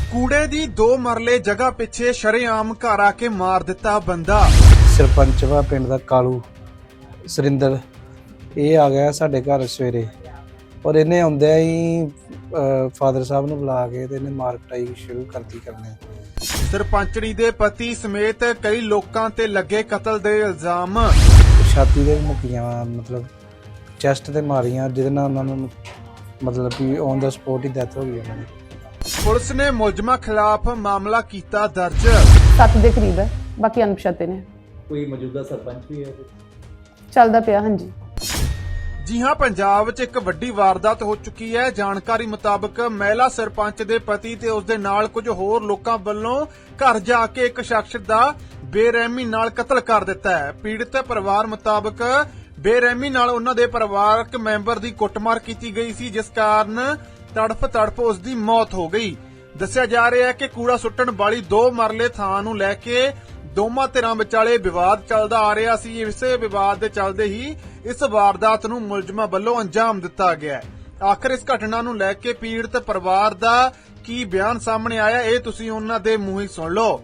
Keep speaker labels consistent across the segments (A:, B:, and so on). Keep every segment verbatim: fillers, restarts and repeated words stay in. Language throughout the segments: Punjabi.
A: कूड़े दी दो मरले जगह पिछे शरेआम घर आके मार दिता बंदा।
B: सरपंच वा पिंड दा कालू सरिंदर ये आ गया साडे घर सवेरे और इन्हें आउंदे ही फादर साहब नूं बुला के ते इन्हें मार कुटाई शुरू कर दी करने।
A: सरपंचनी दे पति समेत कई लोकां ते लगे कतल दे इल्जाम।
B: छाती दे मुक्कियां मतलब चैस्ट ते मारियां जिहदे नाल उन्हां नूं मतलब कि ऑन द स्पॉट ही डेथ हो गई उन्हां दी।
A: पुलिस ने मुलजमां खिलाफ मामला कीता दर्ज।
C: सत्त ਦੇ ਕਰੀਬ ਹੈ, ਬਾਕੀ ਅਣਪਛਾਤੇ ਨੇ।
D: ਕੋਈ ਮੌਜੂਦਾ ਸਰਪੰਚ ਵੀ ਹੈ
C: ਚੱਲਦਾ ਪਿਆ। ਹਾਂਜੀ
A: ਜੀ ਹਾਂ, ਪੰਜਾਬ 'ਚ ਇੱਕ ਵੱਡੀ ਵਾਰਦਾਤ ਹੋ ਚੁੱਕੀ ਹੈ। ਜਾਣਕਾਰੀ ਮੁਤਾਬਕ ਮਹਿਲਾ ਸਰਪੰਚ ਦੇ ਪਤੀ ਤੇ ਉਸ ਦੇ ਨਾਲ ਕੁਝ ਹੋਰ ਲੋਕਾਂ ਵੱਲੋਂ ਘਰ ਜਾ ਕੇ ਇੱਕ ਸ਼ਖਸ ਦਾ ਬੇਰਹਿਮੀ ਨਾਲ ਕਤਲ ਕਰ ਦਿੱਤਾ ਹੈ। ਪੀੜਤ ਪਰਿਵਾਰ ਮੁਤਾਬਕ ਬੇਰਹਿਮੀ ਨਾਲ ਉਹਨਾਂ ਦੇ ਪਰਿਵਾਰਕ ਮੈਂਬਰ ਦੀ ਕੁੱਟਮਾਰ ਕੀਤੀ ਗਈ ਸੀ, ਜਿਸ ਕਾਰਨ ਤੜਫ ਤੜਫ ਉਸ ਦੀ ਮੌਤ ਹੋ ਗਈ। ਦੱਸਿਆ ਜਾ ਰਿਹਾ ਹੈ ਕਿ ਕੂੜਾ ਸੁੱਟਣ ਵਾਲੀ ਦੋ ਮਰਲੇ ਥਾਂ ਨੂੰ ਲੈ ਕੇ ਦੋਵਾਂ ਧਿਰਾਂ ਵਿਚਾਲੇ ਵਿਵਾਦ ਚੱਲਦਾ ਆ ਰਿਹਾ ਸੀ। ਇਸੇ ਵਿਵਾਦ ਦੇ ਚੱਲਦੇ ਹੀ ਇਸ ਵਾਰਦਾਤ ਨੂੰ ਮੁਲਜ਼ਮਾਂ ਵੱਲੋਂ ਅੰਜਾਮ ਦਿੱਤਾ ਗਿਆ ਹੈ। ਆਖਰ ਇਸ ਘਟਨਾ ਨੂੰ ਲੈ ਕੇ ਪੀੜਤ ਪਰਿਵਾਰ ਦਾ ਕੀ ਬਿਆਨ ਸਾਹਮਣੇ ਆਇਆ, ਇਹ ਤੁਸੀਂ ਉਹਨਾਂ ਦੇ ਮੂੰਹ ਹੀ ਸੁਣ ਲਓ।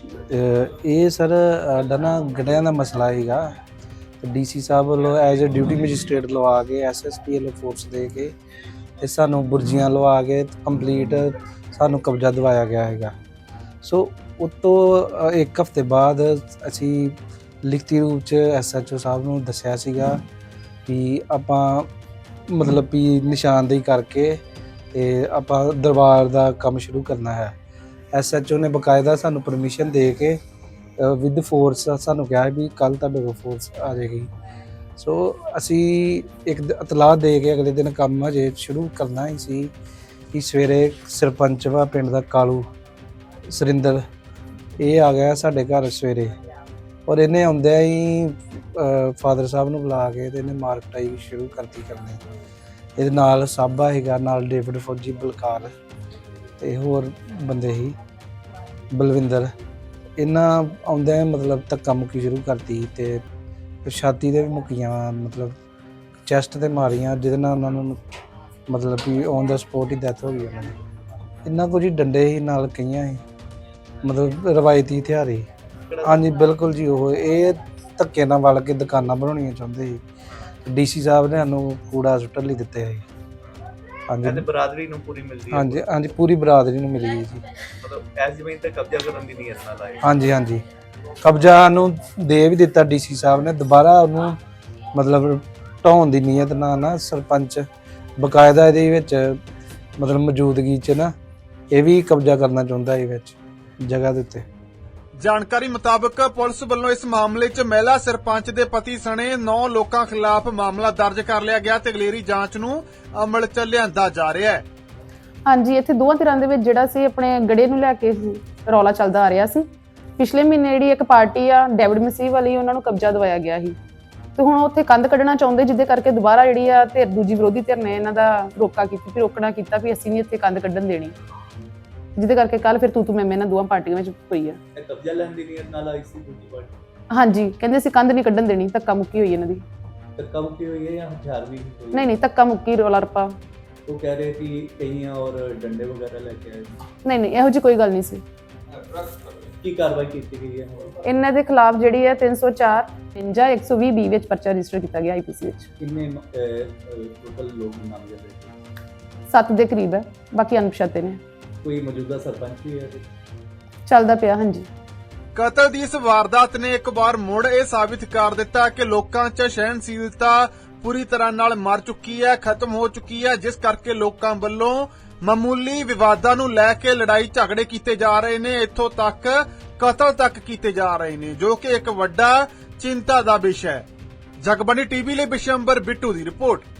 B: ਇਹ ਸਰ ਸਾਡਾ ਨਾ ਗੜਿਆਂ ਦਾ ਮਸਲਾ ਹੈਗਾ ਤੇ ਡੀਸੀ ਸਾਹਿਬ ਵੱਲੋਂ ਐਜ਼ ਅ ਡਿਊਟੀ ਮੈਜਿਸਟ੍ਰੇਟ ਲਵਾ ਕੇ ਐਸਐਸਪੀ ਵੱਲੋਂ ਫੋਰਸ ਦੇ ਕੇ ਤੇ ਸਾਨੂੰ ਬੁਰਜੀਆਂ ਲਵਾ ਕੇ ਕੰਪਲੀਟ ਸਾਨੂੰ ਕਬਜ਼ਾ ਦਿਵਾਇਆ ਗਿਆ ਹੈਗਾ। ਸੋ ਉਤੋਂ ਇੱਕ ਹਫ਼ਤੇ ਬਾਅਦ ਅਸੀਂ ਲਿਖਤੀ ਰੂਪ 'ਚ ਐਸਐਚਓ ਸਾਹਿਬ ਨੂੰ ਦੱਸਿਆ ਸੀਗਾ ਕਿ ਆਪਾਂ ਮਤਲਬ ਵੀ ਨਿਸ਼ਾਨਦੇਹੀ ਕਰਕੇ ਤੇ ਆਪਾਂ ਦਰਬਾਰ ਦਾ ਕੰਮ ਸ਼ੁਰੂ ਕਰਨਾ ਹੈ। ਐਸਐਚਓ ਨੇ ਬਕਾਇਦਾ ਸਾਨੂੰ ਪਰਮਿਸ਼ਨ ਦੇ ਕੇ ਵਿਦ ਫੋਰਸ ਸਾਨੂੰ ਕਿਹਾ ਵੀ ਕੱਲ ਤੁਹਾਡੇ ਕੋਲ ਫੋਰਸ ਆ ਜਾਏਗੀ। ਸੋ ਅਸੀਂ ਇੱਕ ਇਤਲਾਹ ਦੇ ਕੇ ਅਗਲੇ ਦਿਨ ਕੰਮ ਹਜੇ ਸ਼ੁਰੂ ਕਰਨਾ ਹੀ ਸੀ ਕਿ ਸਵੇਰੇ ਸਰਪੰਚ ਵਾ ਪਿੰਡ ਦਾ ਕਾਲੂ ਸਰਿੰਦਰ ਇਹ ਆ ਗਿਆ ਸਾਡੇ ਘਰ ਸਵੇਰੇ ਔਰ ਇਹਨੇ ਆਉਂਦਿਆਂ ਹੀ ਫਾਦਰ ਸਾਹਿਬ ਨੂੰ ਬੁਲਾ ਕੇ ਤੇ ਇਹਨੇ ਮਾਰ ਕੁਟਾਈ ਸ਼ੁਰੂ ਕਰਤੀ ਕਰਨੇ। ਇਹਦੇ ਨਾਲ ਸਾਬਾ ਹੈਗਾ, ਨਾਲ ਡੇਵਿਡ ਫੌਜੀ, ਬਲਕਾਰ ਤੇ ਹੋਰ ਬੰਦੇ ਹੀ ਬਲਵਿੰਦਰ। ਇਹਨਾਂ ਆਉਂਦਿਆਂ ਮਤਲਬ ਧੱਕਾ ਮੁੱਕੀ ਸ਼ੁਰੂ ਕਰਤੀ ਤੇ ਛਾਤੀ ਦੇ ਵੀ ਮੁੱਕੀਆਂ ਮਤਲਬ ਚੈਸਟ ਤੇ ਮਾਰੀਆਂ, ਜਿਹਦੇ ਨਾਲ ਉਹਨਾਂ ਨੂੰ ਮਤਲਬ ਕਿ ਔਨ ਦਾ ਸਪੋਟ ਹੀ ਡੈਥ ਹੋ ਗਈ ਉਹਨਾਂ ਦੀ। ਇੰਨਾ ਕੁਝ ਹੀ ਡੰਡੇ ਸੀ, ਨਾਲ ਕਈਆਂ ਸੀ ਮਤਲਬ ਰਵਾਇਤੀ ਹਥਿਆਰ ਸੀ। ਹਾਂਜੀ ਬਿਲਕੁਲ ਜੀ, ਉਹ ਇਹ ਧੱਕੇ ਨਾਲ ਵਲ ਕੇ ਦੁਕਾਨਾਂ ਬਣਾਉਣੀਆਂ ਚਾਹੁੰਦੇ ਸੀ। ਡੀਸੀ ਸਾਹਿਬ ਨੇ ਸਾਨੂੰ ਕੂੜਾ ਸੁੱਟਣ ਲਈ ਦਿੱਤੇ ਸੀ। ਹਾਂਜੀ
D: ਬਰਾਦਰੀ ਨੂੰ ਪੂਰੀ ਮਿਲਦੀ ਹੈ।
B: ਹਾਂਜੀ ਹਾਂਜੀ ਪੂਰੀ ਬਰਾਦਰੀ ਨੂੰ ਮਿਲੀ ਜੀ।
D: ਮਤਲਬ ਐਸ ਜ਼ਮੀਨ ਤੇ ਕਬਜ਼ਾ ਕਰਨ ਦੀ ਨੀਅਤ ਨਾਲ ਆਏ।
B: ਹਾਂਜੀ ਹਾਂਜੀ ਕਬਜ਼ਾ ਨੂੰ ਦੇ ਵੀ ਦਿੱਤਾ ਡੀਸੀ ਸਾਹਿਬ ਨੇ, ਦੁਬਾਰਾ ਉਹਨੂੰ ਮਤਲਬ ਢਾਉਣ ਦੀ ਨੀਅਤ ਨਾਲ ਨਾ ਸਰਪੰਚ ਬਕਾਇਦਾ ਇਹਦੇ ਵਿੱਚ ਮਤਲਬ ਮੌਜੂਦਗੀ 'ਚ ਨਾ ਇਹ ਵੀ ਕਬਜ਼ਾ ਕਰਨਾ ਚਾਹੁੰਦਾ ਇਹ ਵਿੱਚ ਜਗ੍ਹਾ ਦੇ ਉੱਤੇ।
A: ਜਾਣਕਾਰੀ ਮੁਤਾਬਕ ਪੁਲਿਸ ਵੱਲੋਂ ਇਸ ਮਾਮਲੇ 'ਚ ਮਹਿਲਾ ਸਰਪੰਚ ਦੇ ਪਤੀ ਸਣੇ ਨੌ ਲੋਕਾਂ ਖਿਲਾਫ ਮਾਮਲਾ ਦਰਜ ਕਰ ਲਿਆ ਗਿਆ ਤੇ ਅਗਲੇਰੀ ਜਾਂਚ ਨੂੰ ਅਮਲ 'ਚ ਲਿਆਂਦਾ ਜਾ ਰਿਹਾ ਹੈ।
C: ਹਾਂਜੀ ਇੱਥੇ ਦੋਵਾਂ ਧਿਰਾਂ ਦੇ ਵਿੱਚ ਜਿਹੜਾ ਸੀ ਆਪਣੇ ਗੜੇ ਨੂੰ ਲੈ ਕੇ ਰੌਲਾ ਚੱਲਦਾ ਆ ਰਿਹਾ ਸੀ। ਪਿਛਲੇ ਮਹੀਨੇ ਜਿਹੜੀ ਇੱਕ ਪਾਰਟੀ ਆ ਡੇਵਿਡ ਮਸੀਹ ਵਾਲੀ, ਉਹਨਾਂ ਨੂੰ ਕਬਜ਼ਾ ਦਿਵਾਇਆ ਗਿਆ ਸੀ ਤੇ ਹੁਣ ਉੱਥੇ ਕੰਧ ਕੱਢਣਾ ਚਾਹੁੰਦੇ, ਜਿਹਦੇ ਕਰਕੇ ਦੁਬਾਰਾ ਜਿਹੜੀ ਆ ਧਿਰ ਦੂਜੀ ਵਿਰੋਧੀ ਧਿਰ ਨੇ ਇਹਨਾਂ ਦਾ ਰੋਕਾ ਕੀਤੀ ਵੀ ਰੋਕਣਾ ਕੀਤਾ ਵੀ ਅਸੀਂ ਨਹੀਂ ਇੱਥੇ ਕੰਧ ਕੱਢਣ ਦੇਣੀ, ਜਿਹਦੇ ਕਰਕੇ ਕੱਲ ਫਿਰ ਤੂੰ ਤੂੰ ਮੈਂ ਇਹਨਾਂ ਦੋਵਾਂ ਪਾਰਟੀਆਂ ਵਿੱਚ ਹੋਈ ਆ।
D: ਇਹ ਕਬਜ਼ਾ ਲੈਣ ਦੀ ਨੀਅਤ ਨਾਲ ਆਈ ਸੀ ਦੂਜੀ ਪਾਰਟੀ।
C: ਹਾਂਜੀ ਕਹਿੰਦੇ ਅਸੀਂ ਕੰਧ ਨਹੀਂ ਕੱਢਣ ਦੇਣੀ, ਧੱਕਾ ਮੁੱਕੀ ਹੋਈ ਇਹਨਾਂ ਦੀ।
D: ਧੱਕਾ ਮੁੱਕੀ ਹੋਈ ਹੈ ਜਾਂ ਹਥਿਆਰ ਵੀ ਹੋਈ?
C: ਨਹੀਂ ਨਹੀਂ ਧੱਕਾ ਮੁੱਕੀ ਰੌਲਾ ਰੱਪਾ।
D: ਉਹ ਕਹਿ ਰਹੇ ਕਿ ਕਈਆਂ ਔਰ ਡੰਡੇ ਵਗੈਰਾ ਲੈ ਕੇ ਆਏ।
C: ਨਹੀਂ ਨਹੀਂ ਇਹੋ ਜਿਹੀ ਕੋਈ ਗੱਲ ਨਹੀਂ ਸੀ।
D: ਕੀ ਕਾਰਵਾਈ ਕੀਤੀ ਗਈ ਹੈ?
C: ਇਹਨਾਂ ਦੇ ਖਿਲਾਫ ਜਿਹੜੀ ਹੈ ਤਿੰਨ ਸੌ ਚਾਰ ਜਾਂ ਇੱਕ ਸੌ ਵੀਹ ਬੀ ਵਿੱਚ ਪਰਚਾ ਰਜਿਸਟਰ ਕੀਤਾ ਗਿਆ ਆਈਪੀਸੀ ਵਿੱਚ।
D: ਕਿੰਨੇ ਟੋਟਲ ਲੋਕ ਨਾਮਜ਼ਦ ਹੈ?
C: ਸੱਤ ਦੇ ਕਰੀਬ ਹੈ, ਬਾਕੀ ਅਣਪਛਾਤੇ ਨੇ।
D: ਕੋਈ ਮੌਜੂਦਾ ਸਰਪੰਚ ਵੀ ਹੈ?
C: ਚੱਲਦਾ ਪਿਆ। ਹਾਂਜੀ
A: ਕਤਲ ਦੀ ਇਸ ਵਾਰਦਾਤ ਨੇ ਇੱਕ ਵਾਰ ਮੁੜ ਇਹ ਸਾਬਿਤ ਕਰ ਦਿੱਤਾ ਕਿ ਲੋਕਾਂ 'ਚ ਸਹਿਣਸ਼ੀਲਤਾ ਪੂਰੀ ਤਰ੍ਹਾਂ ਨਾਲ ਮਰ ਚੁੱਕੀ ਹੈ, ਖਤਮ ਹੋ ਚੁੱਕੀ ਹੈ, ਜਿਸ ਕਰਕੇ ਲੋਕਾਂ ਵੱਲੋਂ ਮਾਮੂਲੀ ਵਿਵਾਦਾਂ ਨੂੰ ਲੈ ਕੇ ਲੜਾਈ ਝਗੜੇ ਕੀਤੇ ਜਾ ਰਹੇ ਨੇ, ਇੱਥੋਂ ਤੱਕ ਕਤਲ ਤੱਕ ਕੀਤੇ ਜਾ ਰਹੇ ਨੇ, ਜੋ ਕਿ ਇੱਕ ਵੱਡਾ ਚਿੰਤਾ ਦਾ ਵਿਸ਼ਾ ਹੈ। ਜਗਬਾਣੀ ਟੀਵੀ ਲਈ ਬਿਸ਼ੰਬਰ ਬਿੱਟੂ ਦੀ ਰਿਪੋਰਟ।